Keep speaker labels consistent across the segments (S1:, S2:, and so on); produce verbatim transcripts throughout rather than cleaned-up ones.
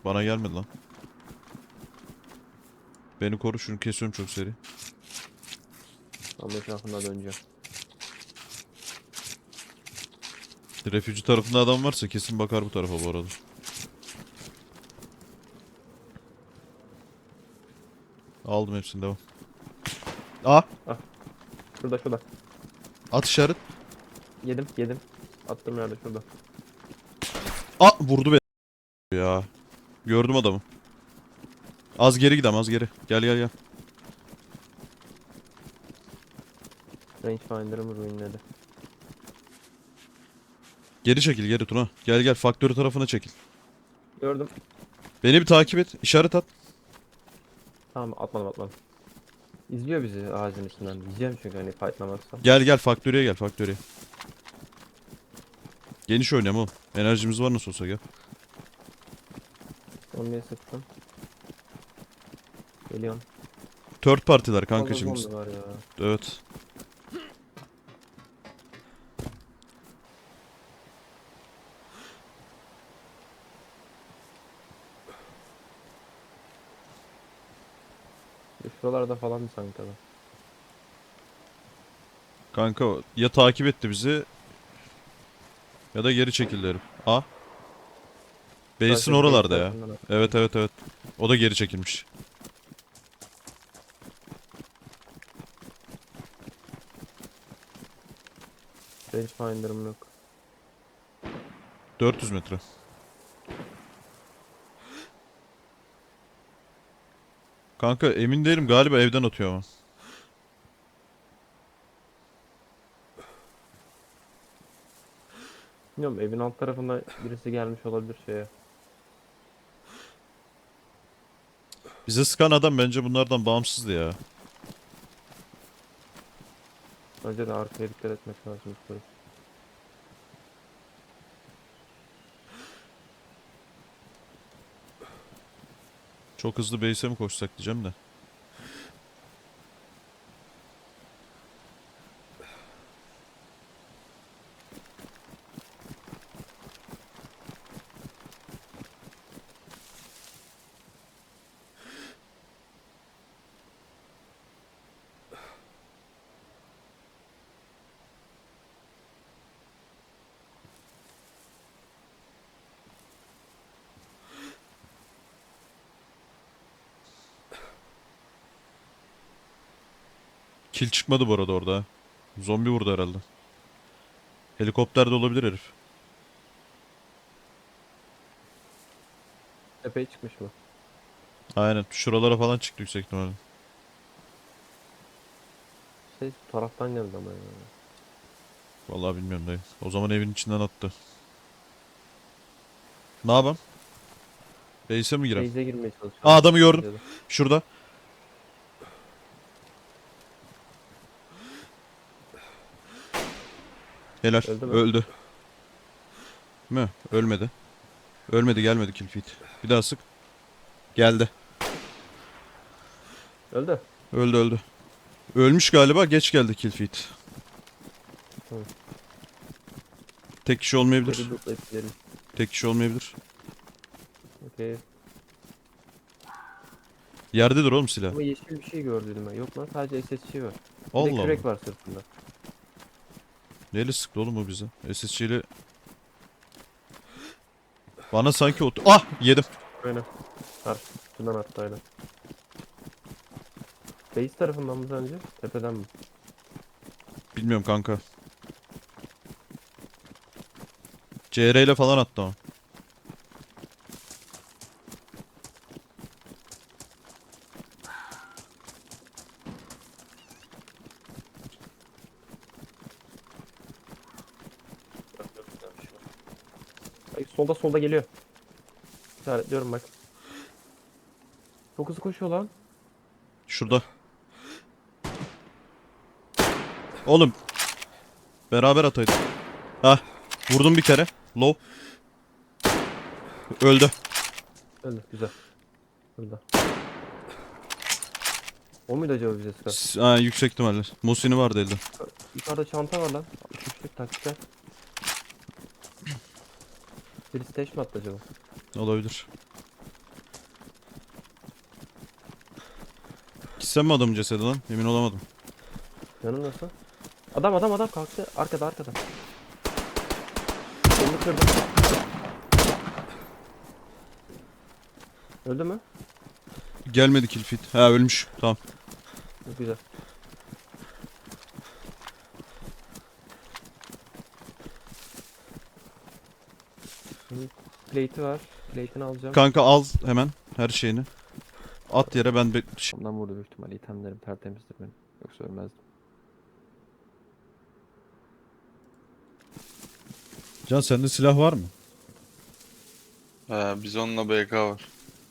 S1: Bana gelmedi lan. Beni koru, şunu kesiyorum çok seri.
S2: Tam etrafında döneceğim.
S1: Refüji tarafında adam varsa kesin bakar bu tarafa bu arada. Aldım hepsini, devam. Aa!
S2: Ah, şurada şurada.
S1: At işaret.
S2: Yedim yedim. Attım yerde şurada.
S1: Aa! Vurdu beni ya. Gördüm adamı. Az geri gidelim, az geri. Gel gel gel.
S2: Rangefinder'ımı ruinledi.
S1: Geri çekil, geri Tuna. Gel gel, faktörü tarafına çekil.
S2: Gördüm.
S1: Beni bir takip et. İşaret at.
S2: Tamam, atmadım atmadım. İzliyor bizi ağacın içinden. Diyeceğim çünkü hani fightlamazsam.
S1: Gel gel, faktörüye gel, faktörüye. Geniş oynayalım oğlum. Enerjimiz var nasıl olsa, gel.
S2: Zombiye sıktım. Geliyorum.
S1: Third partiler kanka
S2: Fazla
S1: şimdi.
S2: zombi var ya.
S1: Evet.
S2: E, Şuralarda falan mı sanki adam?
S1: Kanka ya takip etti bizi ya da geri çekildi herif. Aa. Base'in
S2: Sadece base
S1: oralarda ya.
S2: tarafından attım.
S1: Evet evet evet. O da geri çekilmiş.
S2: Rangefinder'ım yok.
S1: dört yüz metre. Kanka emin değilim, galiba evden atıyor ama.
S2: Bilmiyorum, evin alt tarafında birisi gelmiş olabilir şeye.
S1: Bize sıkan adam bence bunlardan bağımsızdı ya.
S2: Önce de arkaya dikkat etmek lazım. Yukarı.
S1: Çok hızlı base'e mi koşsak diyeceğim de. Kill çıkmadı bu arada orada, ha. Zombi vurdu herhalde. Helikopter de olabilir herif.
S2: Tepeye çıkmış mı?
S1: Aynen. Şuralara falan çıktı yüksek ihtimalle.
S2: Şey, bu taraftan geldi ama ya.
S1: Vallahi bilmiyorum dayı. O zaman evin içinden attı. Ne yapalım? Base'e mi girem?
S2: Base'e girmeye
S1: Aa,
S2: çalışıyorum.
S1: adamı gördüm.
S2: Bence de.
S1: Şurada. Helal.
S2: Öldü mü?
S1: Öldü. Mü? Ölmedi. Ölmedi, gelmedi kill feed. Bir daha sık. Geldi.
S2: Öldü.
S1: Öldü öldü. Ölmüş galiba, geç geldi kill feed.
S2: Tamam.
S1: Tek kişi
S2: Geri
S1: olmayabilir.
S2: lootlayıp gidelim.
S1: Tek kişi olmayabilir.
S2: Okey.
S1: Yerdedir oğlum silah.
S2: Ama yeşil bir şey gördüm ben. Yok lan, sadece S S G var. Bir de
S1: Allah Allah.
S2: kürek var sırtında.
S1: Neyle sıktı oğlum o bize? S S G ile... Bana sanki o... Ah! Yedim.
S2: Aynen. Var. Şundan attı aynen. Base tarafından mı sence? Tepeden mi?
S1: Bilmiyorum kanka. C R ile falan attı o.
S2: Ay, solda solda geliyor. İşaretliyorum bak. Çok hızlı koşuyor lan.
S1: Şurada. Oğlum. Beraber ataydık. Hah. Vurdum bir kere. Low. Öldü.
S2: Öldü, güzel. Burada. O muydu acaba bize sıkan?
S1: S- Ha, yüksek ihtimalle. Musini vardı elde.
S2: Yukarıda çanta var lan. altmış üçlük taktikler. Birisi teş mi attı acaba?
S1: Olabilir. Gitsem mi adamın cesedi lan? Emin olamadım.
S2: Yanım nasıl? Adam adam adam kalktı. Arkada arkada. Onu kırdım. Öldü mü?
S1: Gelmedi kill feed. Ha ölmüş. Tamam.
S2: Çok güzel. Şimdi plate'i var. Plate'ini alacağım.
S1: Kanka al hemen her şeyini. At yere ben be- Ş-
S2: Ondan vurdu büyük ihtimalle. İtemlerim tertemizdir benim. Yoksa ölmezdim.
S1: Can sende silah var mı?
S3: He, biz onunla B K var.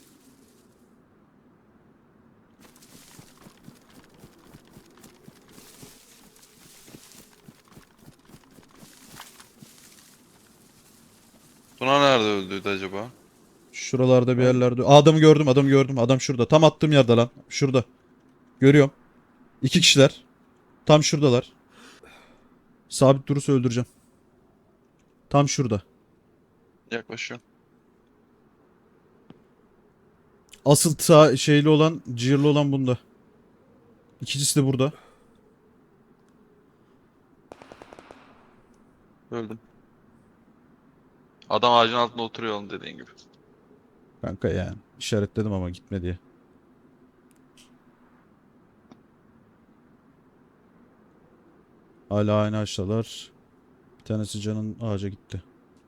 S3: Tuna nerede öldüydü acaba?
S1: Şuralarda bir yerlerde. Aa, adamı gördüm, adamı gördüm. Adam şurada. Tam attığım yerde lan. Şurada. Görüyorum. İki kişiler. Tam şuradalar. Sabit durursa öldüreceğim. Tam şurada.
S3: Yaklaşıyorum.
S1: Asıl sağ şeyli olan, cihirli olan bunda. İkincisi de burada.
S3: Öldüm. Adam ağacın altında oturuyor oğlum dediğin gibi.
S1: Kanka yani. İşaretledim ama gitme diye. Hala aynı ağaçtalar. Bir tanesi Can'ın ağaca gitti.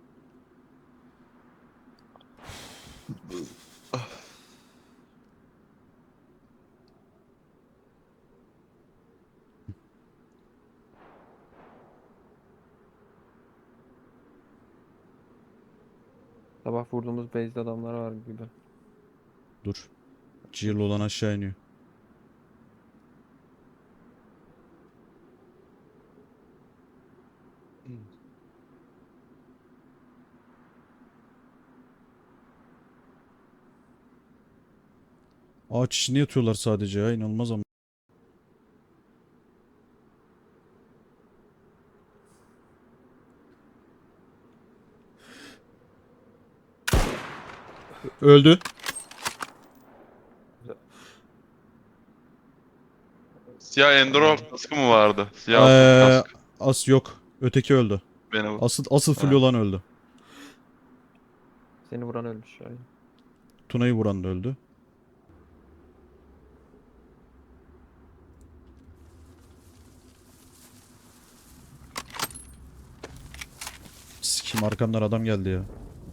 S2: Sabah vurduğumuz base'de adamlar var gibi.
S1: Dur. Cihirli olan aşağı iniyor. Ağaç içinde yatıyorlar sadece ya. İnanılmaz ama. Öldü.
S3: Siyah Enduro kaskı mı vardı? Siyah altın
S1: Ee,
S3: kask.
S1: as yok. Öteki öldü.
S3: Beni bu.
S1: Asıl asıl full
S3: Ha.
S1: olan öldü.
S2: Seni vuran ölmüş. Aynen.
S1: Tuna'yı vuran da öldü. Sikim arkamdan adam geldi ya.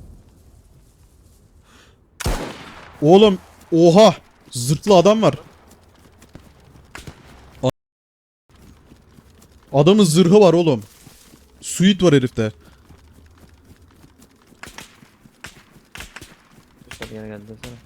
S1: Oğlum oha! Zırtlı adam var. A- Adamın zırhı var oğlum. Suit var herifte.
S2: Hadi yine geldi desene.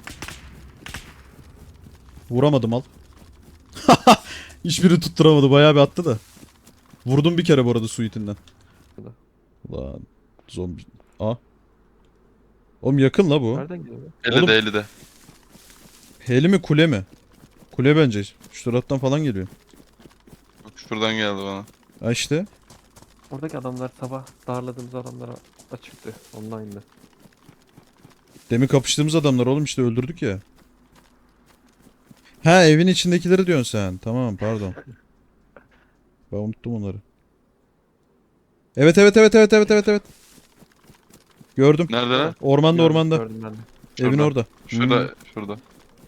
S1: Vuramadım al. Hiçbiri tutturamadı. Bayağı bir attı da. Vurdum bir kere bu arada suitinden.
S2: Burada.
S1: Ulan zombi. Aa. Oğlum yakın la bu.
S2: Nereden geliyor?
S3: elli
S1: Oğlum-
S3: de elli de.
S1: Heli mi kule mi? Kule bence. Şu taraftan falan geliyor.
S3: Bak şuradan geldi bana.
S1: Ha işte.
S2: Oradaki adamlar sabah darladığımız adamlara açıktı. Online'dı.
S1: Demin kapıştığımız adamlar oğlum işte öldürdük ya. Ha evin içindekileri diyorsun sen. Tamam pardon. Ben unuttum onları. Evet evet evet evet evet evet evet. Gördüm.
S3: Nerede lan?
S1: Ormanda
S2: Gördüm,
S1: ormanda.
S2: Gördüm ben de.
S1: Evin
S3: Şurada.
S1: orada.
S3: Şurada,
S1: Hmm.
S3: şurada.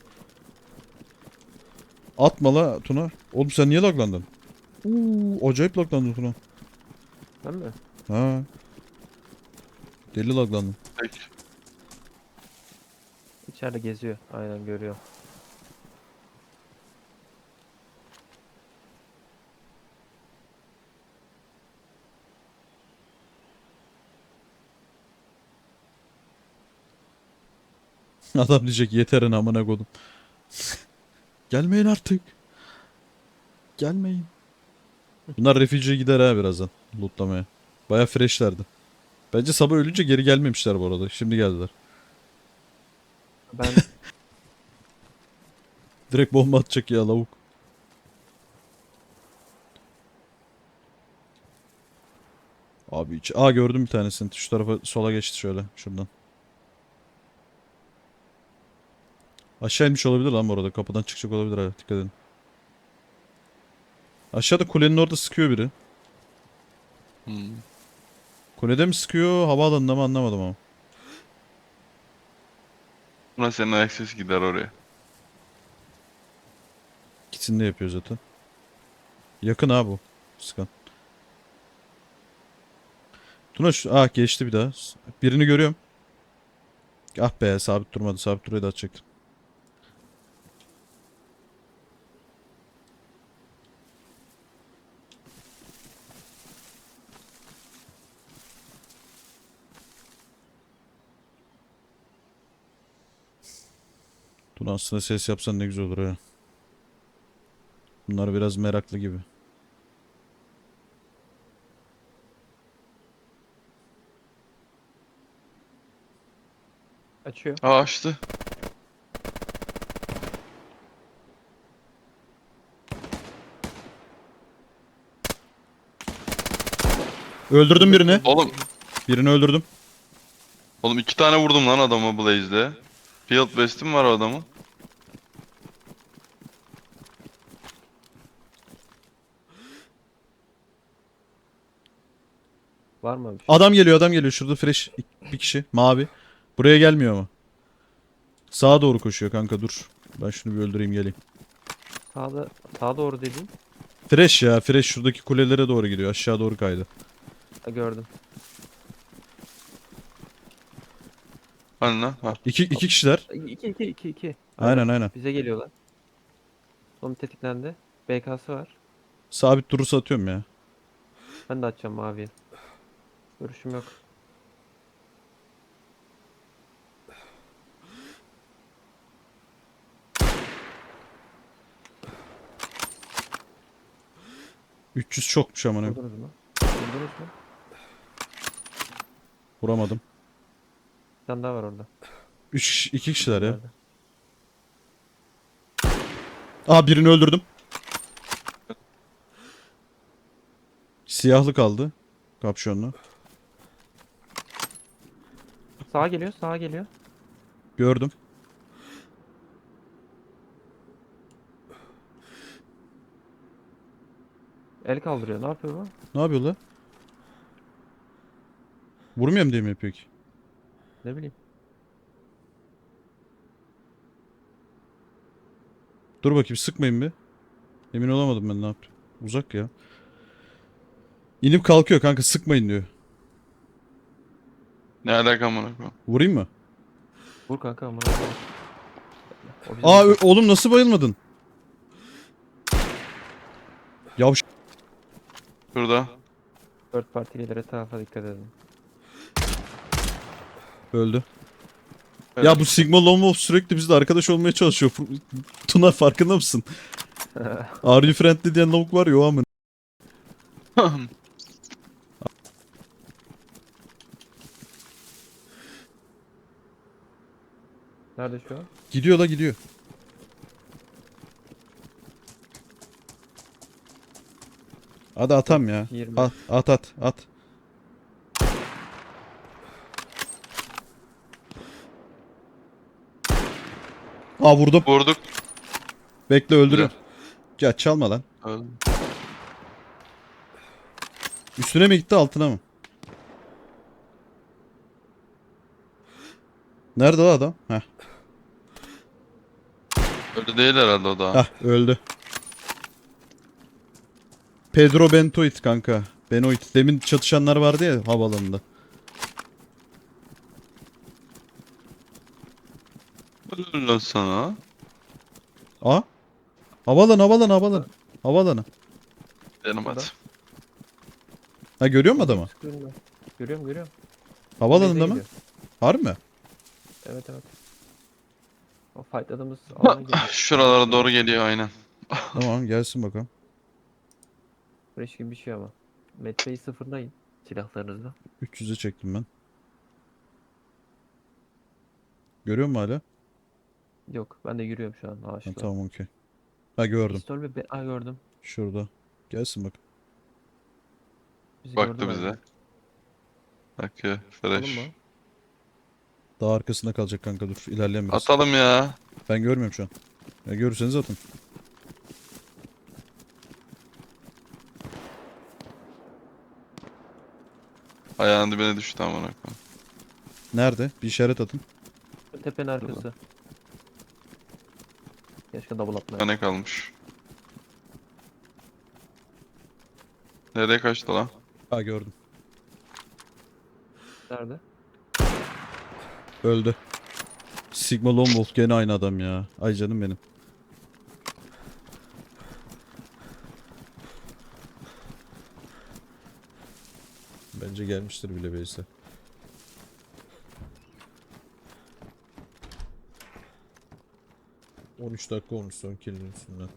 S1: Atma la Tuna. Oğlum sen niye laglandın? Uuu acayip laglandın Tuna.
S2: Ben mi?
S1: Ha. Deli laglandın.
S3: Peki.
S2: İçeride geziyor. Aynen görüyor.
S1: Adam diyecek yeterin amına kodum. Gelmeyin artık. Gelmeyin. Bunlar refugee'ye gider ha birazdan. Lootlamaya. Baya freshlerdi. Bence sabah ölünce geri gelmemişler bu arada. Şimdi geldiler.
S2: Ben
S1: Direkt bomba atacak ya lavuk. Abi hiç... Aa gördüm bir tanesini. Şu tarafa sola geçti şöyle. Şuradan. Aşağı inmiş olabilir lan bu arada. Kapıdan çıkacak olabilir ha. Dikkat edin. Aşağıda kulenin orada sıkıyor biri.
S3: Hmm.
S1: Kulede mi sıkıyor, havaalanında mı anlamadım ama.
S3: Buna senin ayak sesi gider oraya.
S1: İkisini de yapıyor zaten. Yakın ha bu. Sıkan. Tuna şu... Ah geçti bir daha. Birini görüyorum. Ah be sabit durmadı. Sabit durayı da atacaktım. Tuna aslında ses yapsan ne güzel olur ha. Bunlar biraz meraklı gibi.
S2: Açıyor.
S3: Aa açtı.
S1: Öldürdüm birini.
S3: Oğlum.
S1: Birini öldürdüm.
S3: Oğlum iki tane vurdum lan adamı Blaze'de. Field West'im var o adamın.
S2: Var mı bir şey?
S1: Adam geliyor adam geliyor. Şurada fresh bir kişi. Mavi. Buraya gelmiyor ama. Sağa doğru koşuyor kanka dur. Ben şunu bir öldüreyim geleyim.
S2: Sağda, sağa doğru dediğin.
S1: Fresh ya fresh şuradaki kulelere doğru gidiyor. Aşağı doğru kaydı.
S2: Ha, gördüm.
S3: Hani lan? Ha.
S1: İki, iki kişiler.
S2: İki iki iki iki.
S1: Aynen aynen.
S2: Bize geliyorlar. Son tetiklendi. B K'sı var.
S1: Sabit durursa atıyorum ya.
S2: Ben de açacağım maviye. Görüşüm yok.
S1: üç yüz çokmuş amına.
S2: Vurdunuz mu? Vurdunuz mu?
S1: Vuramadım.
S2: Bir tane daha var orada.
S1: üç iki kişiler ya.
S2: Nerede?
S1: Aa birini öldürdüm. Siyahlı kaldı. Kapşonlu.
S2: Sağa geliyor, sağa geliyor.
S1: Gördüm.
S2: El kaldırıyor. Ne yapıyor bu?
S1: Ne yapıyor la? Vurmuyorum diye mi yapıyor ki?
S2: Ne bileyim.
S1: Dur bakayım sıkmayın bir. Emin olamadım ben ne yaptım. Uzak ya. İnip kalkıyor kanka sıkmayın diyor.
S3: Ne alaka amına koyayım?
S1: Vurayım mı?
S2: Vur kanka amına koyayım. O bizim
S1: Aa ö-
S2: takım.
S1: oğlum nasıl bayılmadın? Yavş.
S3: Şurada.
S2: Third party gelir, etrafa dikkat edin.
S1: Öldü.
S3: Evet.
S1: Ya bu Sigma Lone Wolf sürekli bizle arkadaş olmaya çalışıyor. Tuna farkında mısın? Are you friendly diyen lavuk var ya o amın.
S2: Nerede şu an?
S1: Gidiyor la gidiyor. Hadi atam ya.
S2: yirmi.
S1: At at at at. Aa vurdum.
S3: Vurduk.
S1: Bekle öldürüyorum. Ya çalma lan.
S3: Öldü.
S1: Üstüne mi gitti altına mı? Nerede o adam? Heh.
S3: Öldü değil herhalde o da.
S1: Hah öldü. Pedro Bentoit kanka. Benoit. Demin çatışanlar vardı ya havaalanında.
S3: Öldü lan sana.
S1: Aa. Havalan havalan havalan. Havalanı.
S3: Benim
S2: Burada.
S3: hadi.
S1: Ha görüyor musun adamı?
S2: Sıkıyorum ben. Görüyorum görüyorum.
S1: Havalanında
S2: Bize
S1: mı?
S2: gidiyor.
S1: Harbi mi?
S2: Evet evet. O fightladığımız alana geliyor.
S3: Şuralara doğru geliyor aynen.
S1: Tamam gelsin bakalım.
S2: Fresh gibi bir şey ama. Metreyi sıfırlayın silahlarınızla.
S1: üç yüze çektim ben. Görüyor musun hala?
S2: Yok ben de yürüyorum şu an
S1: Ha,
S2: ağaçla.
S1: tamam okey. Ha gördüm.
S2: Pistol ve be Aa, gördüm.
S1: Şurada. Gelsin bak.
S2: Bizi
S3: Baktı
S2: gördüler
S3: bize.
S2: mi?
S3: Bakıyor.
S2: Bakalım
S3: Fresh.
S2: mı?
S1: Daha arkasında kalacak kanka, dur. İlerleyen biraz.
S3: Atalım ya.
S1: Ben görmüyorum şu an. Ya görürseniz atın.
S3: Ayağın dibine düştü amına koyayım.
S1: Nerede? Bir işaret atın.
S2: Tepenin arkası. Keşke double
S3: Bir
S2: atmayayım.
S3: tane kalmış. Nereye kaçtı lan?
S1: Ha, gördüm.
S2: Nerede?
S1: Öldü. Sigma Lone Wolf gene aynı adam ya. Ay canım benim. Bence gelmiştir bile base'e. on üç dakika olmuş son kill'in üstünden.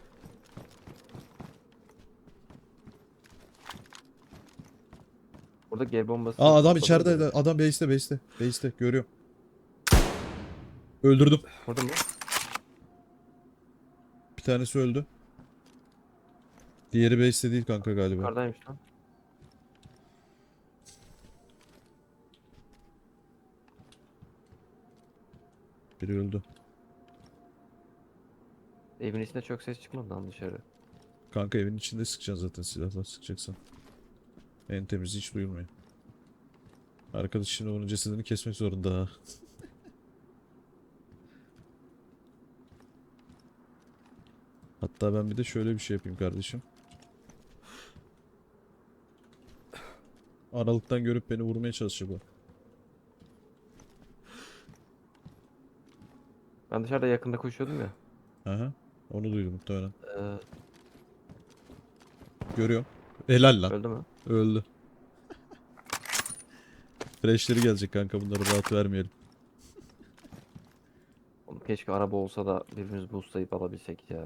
S2: Burada G bombası.
S1: Aa, adam
S2: patladı.
S1: içeride. Adam base'te base'te. Base'te görüyorum. Öldürdüm.
S2: Burada mı?
S1: Bir tanesi öldü. Diğeri base'te değil kanka galiba.
S2: Yukarıdaymış lan.
S1: Biri öldü.
S2: Evin içinde çok ses çıkmadı lan dışarı.
S1: Kanka evin içinde sıkacaksın zaten, silahla sıkacaksın. En temizi hiç duyulmuyor. Arkadaş şimdi onun cesedini kesmek zorunda ha. Hatta ben bir de şöyle bir şey yapayım kardeşim. Aralıktan görüp beni vurmaya çalışacak o.
S2: Ben dışarıda yakında koşuyordum ya.
S1: Aha. Onu duydum muhtemelen.
S2: Ee,
S1: Görüyorum. Helal lan.
S2: öldü mü?
S1: Öldü. Freshleri gelecek kanka, bunları rahat vermeyelim.
S2: Oğlum keşke araba olsa da birbirimizi boostlayıp alabilsek ya.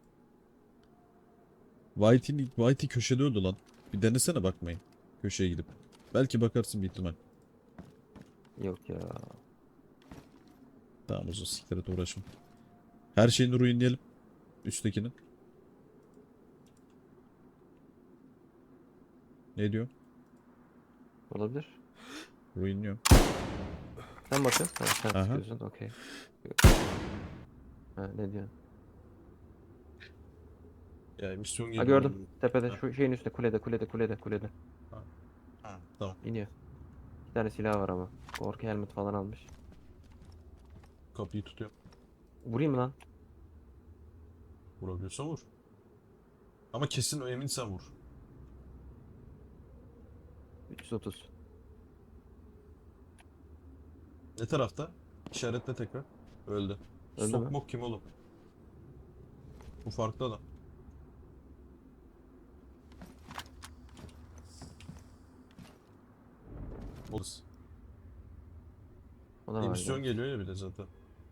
S1: Whitey, Whitey köşede öldü lan. Bir denesene bakmayın. Köşeye gidip. Belki bakarsın bir ihtimal.
S2: Yok ya.
S1: Tamam, uzun siktir et, uğraşma. Her şeyini ruinleyelim. Üsttekinin. Ne diyor?
S2: Olabilir.
S1: Ruinliyorum.
S2: Sen bakın. Ha, sen
S1: Aha.
S2: sıkıyorsun. Okey. Ha, ne diyorsun?
S1: Ya misyon
S2: Ha
S1: geliyor.
S2: gördüm. Tepede
S1: Ha.
S2: şu şeyin üstünde kulede kulede kulede kulede.
S1: Ha, tamam.
S2: İniyor. Bir tane silah var ama. Korku helmet falan almış.
S1: Kapıyı tutuyorum.
S2: Vurayım mı lan?
S1: Vurabiliyorsan vur. Ama kesin eminsen vur.
S2: üç yüz otuz.
S1: Ne tarafta? İşaretle tekrar. Öldü.
S2: Öldü mü?
S1: Sokmok kim oğlum? Bu farklı adam. Olsun.
S2: O da var
S1: Emisyon
S2: ya.
S1: geliyor ya bir de zaten.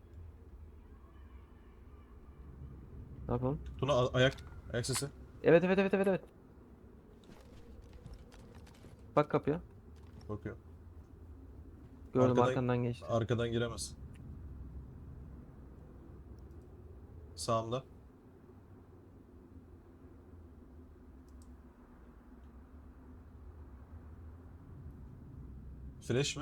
S2: Ne yapalım?
S1: Tuna a- ayak. Ayak sesi.
S2: Evet evet evet evet evet. Bak kapıya.
S1: Bakıyor.
S2: Gördüm
S1: Arkadan-
S2: arkandan geçti.
S1: Arkadan giremez. Sağımda. Fresh mi?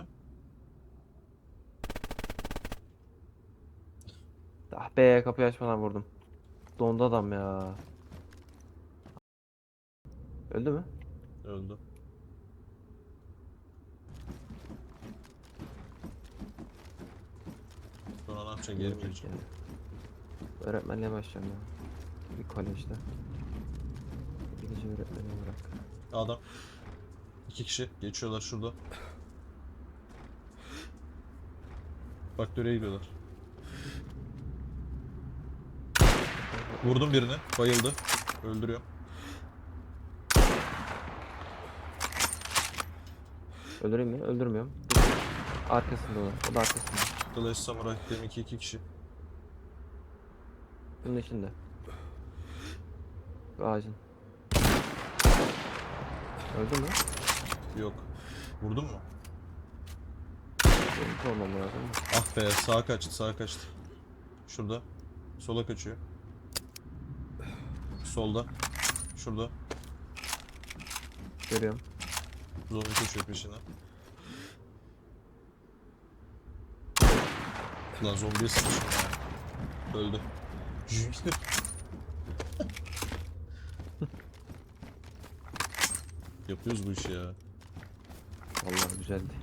S2: Ah be, kapıyı açmadan vurdum. Dondu adam ya. Öldü mü?
S1: Öldü. Sonra ne yapacaksın? Geri mi
S2: Ölecek
S1: gideceksin?
S2: ya. Öğretmenliğe başlayacağım ya. Bir kolejde. İngilizce öğretmeni olarak.
S1: Adam. İki kişi geçiyorlar şurada. Faktöre gidiyorlar. Vurdum birini. Bayıldı. Öldürüyor.
S2: Öldüreyim mi? Öldürmüyorum. Arkasında o. O da arkasında.
S1: Clash Samurai deminki iki kişi.
S2: Bunun içinde. Şu ağacın. Öldü mü?
S1: Yok. Vurdun mu?
S2: Benim olmam lazım.
S1: Ah be, sağa kaçtı, sağa kaçtı. Şurada. Sola kaçıyor. Solda. Şurada.
S2: Görüyorum.
S1: Zombi koşuyor peşine. Lan zombiye sıkıştım ya. Öldü. Yapıyoruz bu işi ya.
S2: Vallahi güzeldi.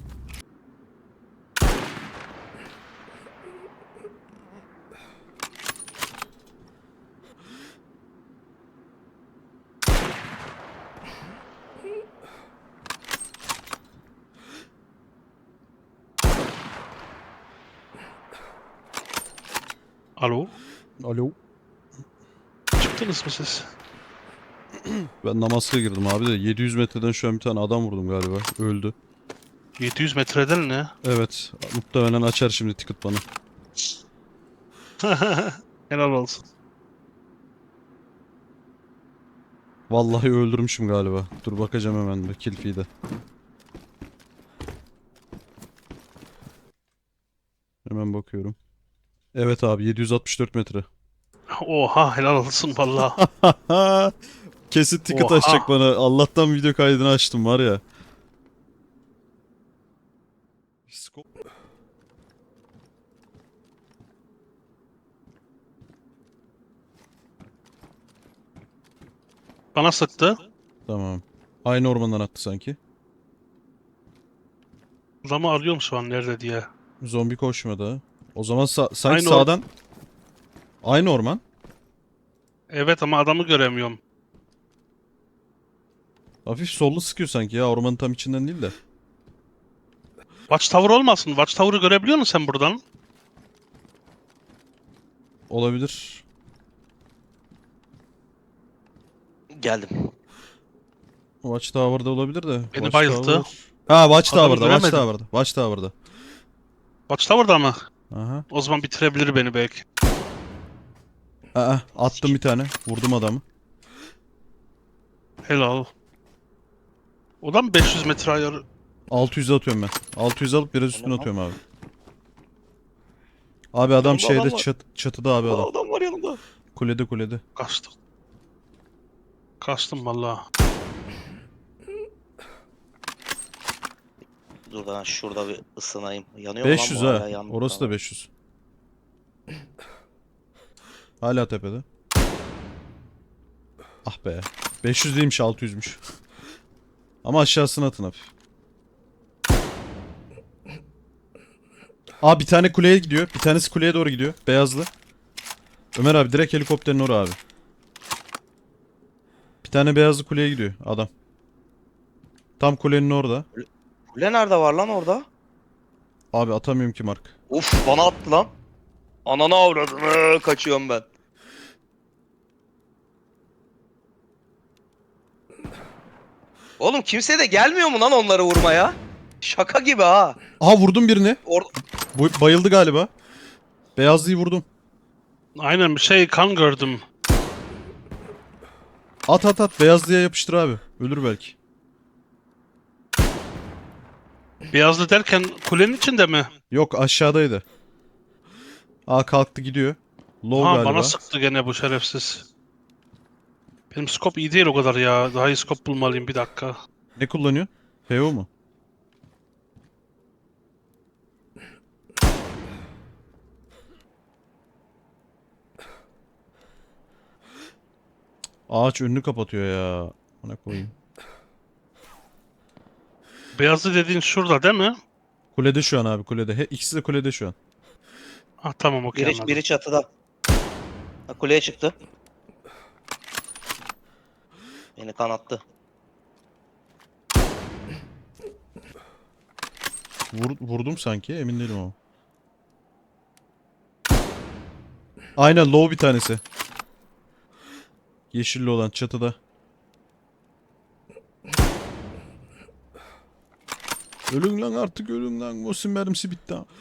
S4: Alo,
S1: Alo.
S4: çıktınız mı siz?
S1: Ben Namask'a girdim abi de yedi yüz metreden şu an bir tane adam vurdum galiba. Öldü.
S4: yedi yüz metreden ne?
S1: Evet. Muhtemelen açar şimdi ticket bana.
S4: Helal olsun.
S1: Vallahi öldürmüşüm galiba. Dur bakacağım hemen bir kill feed'e. Hemen bakıyorum. Evet abi yedi yüz altmış dört metre.
S4: Oha, helal olsun valla.
S1: Kesin ticket
S4: Oha.
S1: açacak bana. Allah'tan video kaydını açtım var ya. Skop-
S4: Bana sıktı.
S1: Tamam. Aynı ormandan attı sanki.
S4: Adamı arıyorum şu an nerede diye.
S1: Zombi koşmadı. O zaman sa- sanki
S4: Aynı or-
S1: sağdan. Aynı orman.
S4: Evet ama adamı göremiyorum.
S1: Hafif sollu sıkıyor sanki ya. Ormanın tam içinden değil de.
S4: Watchtower olmasın? Watchtower'ı görebiliyor musun sen buradan?
S1: Olabilir.
S5: Geldim.
S1: Watchtower'da olabilir de.
S4: Beni bayılttı.
S1: Ha Watchtower'da,
S4: göremedim.
S1: Watchtower'da, Watchtower'da.
S4: Watchtower'da mı?
S1: Aha.
S4: O zaman bitirebilir beni belki.
S1: Aa, attım bir tane. Vurdum adamı.
S4: Helal. O da mı beş yüz metre ayarı?
S1: altı yüz atıyorum ben. altı yüz alıp biraz üstüne
S5: Tamam.
S1: atıyorum abi. Abi adam
S5: Yanımda
S1: şeyde
S5: adam var.
S1: çat, çatıda abi
S5: Aa,
S1: adam.
S5: adam var yanımda.
S1: Kulede kulede.
S4: Kaçtım. Kaçtım valla.
S5: Dur ben şurada bir ısınayım. Yanıyor mu
S1: beş yüz
S5: lan bu
S1: ha.
S5: hala? Yandı.
S1: Orası da
S5: Tamam.
S1: beş yüz. Hala tepede. Ah be. beş yüz değilmiş altı yüzmüş. Ama aşağısına atın hafif. Aa bir tane kuleye gidiyor. Bir tanesi kuleye doğru gidiyor. Beyazlı. Ömer abi direkt helikopterin oraya abi. Bir tane beyazlı kuleye gidiyor adam. Tam kulenin orada.
S5: Kule nerede var lan orada?
S1: Abi atamıyorum ki mark.
S5: Uf bana attı lan. Ananı avradını kaçıyorum ben. Oğlum kimse de gelmiyor mu lan onları vurmaya? Şaka gibi ha.
S1: Aha vurdum birini.
S5: Or
S1: Bu bayıldı galiba. Beyazlıyı vurdum.
S4: Aynen bir şey kan gördüm.
S1: At at at. Beyazlıya yapıştır abi. Ölür belki.
S4: Beyazlı derken kulenin içinde mi?
S1: Yok aşağıdaydı. Aa kalktı gidiyor. Low
S4: Ha
S1: galiba.
S4: bana sıktı gene bu şerefsiz. Benim scope iyi değil o kadar ya. Daha iyi scope bulmalıyım bir dakika.
S1: Ne kullanıyorsun? P O mu? Ağaç önünü kapatıyor ya. Ona koyayım.
S4: Beyazlı dediğin şurada değil mi?
S1: Kulede şu an abi kulede. He, ikisi de kulede şu an.
S4: Ah tamam okey
S5: biri,
S4: anladım.
S5: biri çatıda. Ha, kuleye çıktı. Beni kanattı.
S1: Vur, vurdum sanki emin değilim ama. Aynen low bir tanesi. Yeşilli olan çatıda. Ölün lan artık ölün lan. Mosin mermisi bitti ha.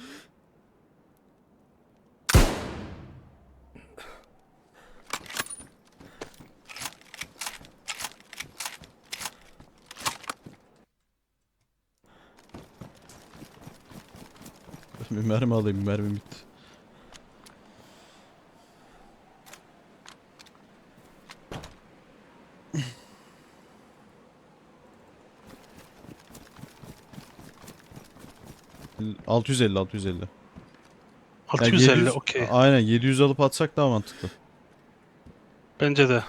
S1: Bir mermi alayım mermi bitti. altı yüz elli altı yüz elli.
S4: altı
S1: Yani
S4: yüz elli
S1: yedi yüz
S4: okey.
S1: Aynen yedi yüz alıp atsak daha mantıklı.
S4: Bence de.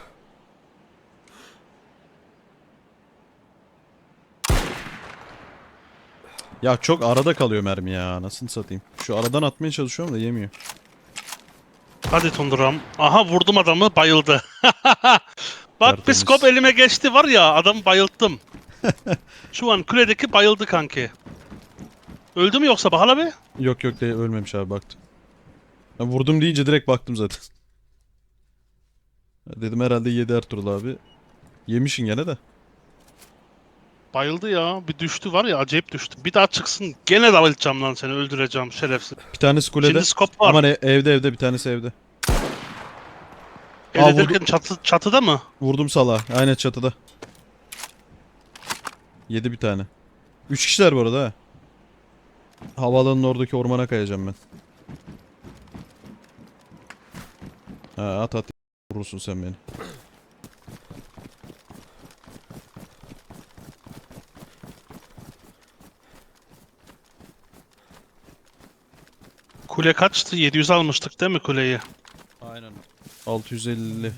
S1: Ya çok arada kalıyor mermi ya. Nasıl satayım? Şu aradan atmaya çalışıyorum da yemiyor.
S4: Hadi Tunduram. Aha vurdum adamı bayıldı. Bak bir
S1: Tertemiz.
S4: scope elime geçti var ya adamı bayılttım. Şu an kuledeki bayıldı kanki. Öldü mü yoksa Bahar abi?
S1: Yok yok de ölmemiş abi baktım. Ben vurdum deyince direkt baktım zaten. Dedim herhalde yedi Ertuğrul abi. Yemişin gene de.
S4: Bayıldı ya. Bir düştü var ya acayip düştü. Bir daha çıksın gene davulacağım lan seni öldüreceğim şerefsiz.
S1: Bir tanesi kulede.
S4: Şimdi scope var.
S1: Aman e- evde evde bir tanesi evde.
S4: El
S1: Aa,
S4: ederken çatı, çatıda mı?
S1: Vurdum sala. Aynen çatıda. Yedi bir tane. Üç kişiler bu arada ha. Havaalanının oradaki ormana kayacağım ben. Ha, at at. Vurursun sen beni.
S4: Kule kaçtı? yedi yüz almıştık değil mi kuleyi?
S1: Aynen. altı yüz elli.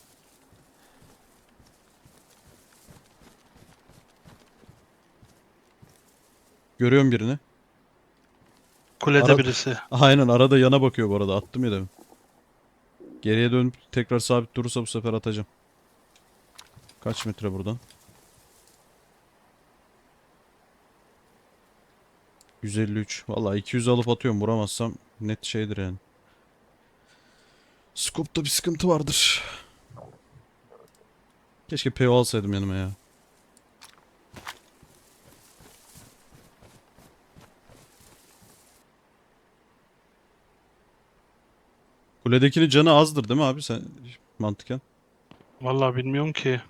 S1: Görüyorum birini.
S4: Kulede
S1: Ara-
S4: birisi.
S1: Aynen arada yana bakıyor bu arada. Attım ya demin. Geriye dönüp tekrar sabit durursa bu sefer atacağım. Kaç metre buradan? yüz elli üç. Vallahi iki yüz alıp atıyorum. Vuramazsam net şeydir yani. Scope'da bir sıkıntı vardır. Keşke P O alsaydım yanıma ya. Kuledekinin canı azdır değil mi abi sen mantıken?
S4: Vallahi bilmiyorum ki.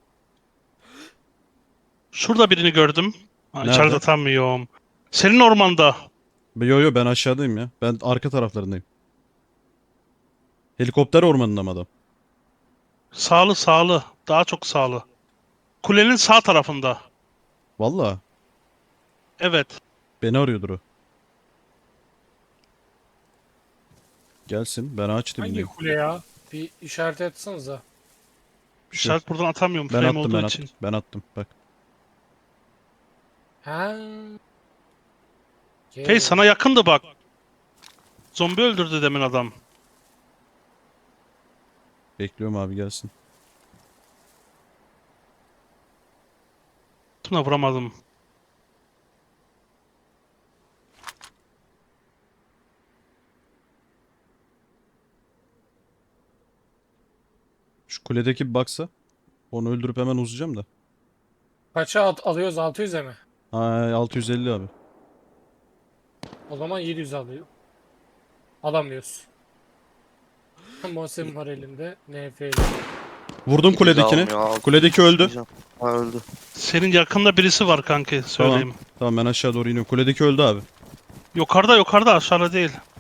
S4: Şurada birini gördüm. Ha,
S1: Nerede?
S4: içeride atamıyorum. Senin ormanda.
S1: Yo yo ben aşağıdayım ya. Ben arka taraflarındayım. Helikopter ormanında mı adam?
S4: Sağlı sağlı. Daha çok sağlı. Kulenin sağ tarafında.
S1: Vallahi
S4: Evet.
S1: beni arıyordur o. Gelsin ben ağaç
S6: Hangi
S1: dibindeyim.
S6: kule ya? Bir işaret etsenize.
S1: Bir şey yok.
S4: İşaret buradan atamıyorum
S1: Ben
S4: frame
S1: attım
S4: olduğu
S1: ben
S4: için.
S1: attım. Ben attım bak.
S6: Ha.
S4: Hey sana yakındı bak. Zombi öldürdü demin adam.
S1: Bekliyorum abi gelsin.
S4: Tuna vuramadım.
S1: Şu kuledeki bir baksa. Onu öldürüp hemen uzayacağım da.
S6: Kaça at alıyoruz? altı yüze mi?
S1: Ha, altı yüz elli abi.
S6: O zaman yedi yüz alıyor. Alamıyoruz. Mosem var elinde. N F L.
S1: Vurdum kuledekini.
S5: Almıyor, altı
S1: Kuledeki öldü.
S5: diyeceğim. Ha öldü.
S4: Senin yakında birisi var kanki söyleyeyim.
S1: Tamam ben aşağı doğru iniyorum. Kuledeki öldü abi.
S4: Yukarıda yukarıda aşağıda değil.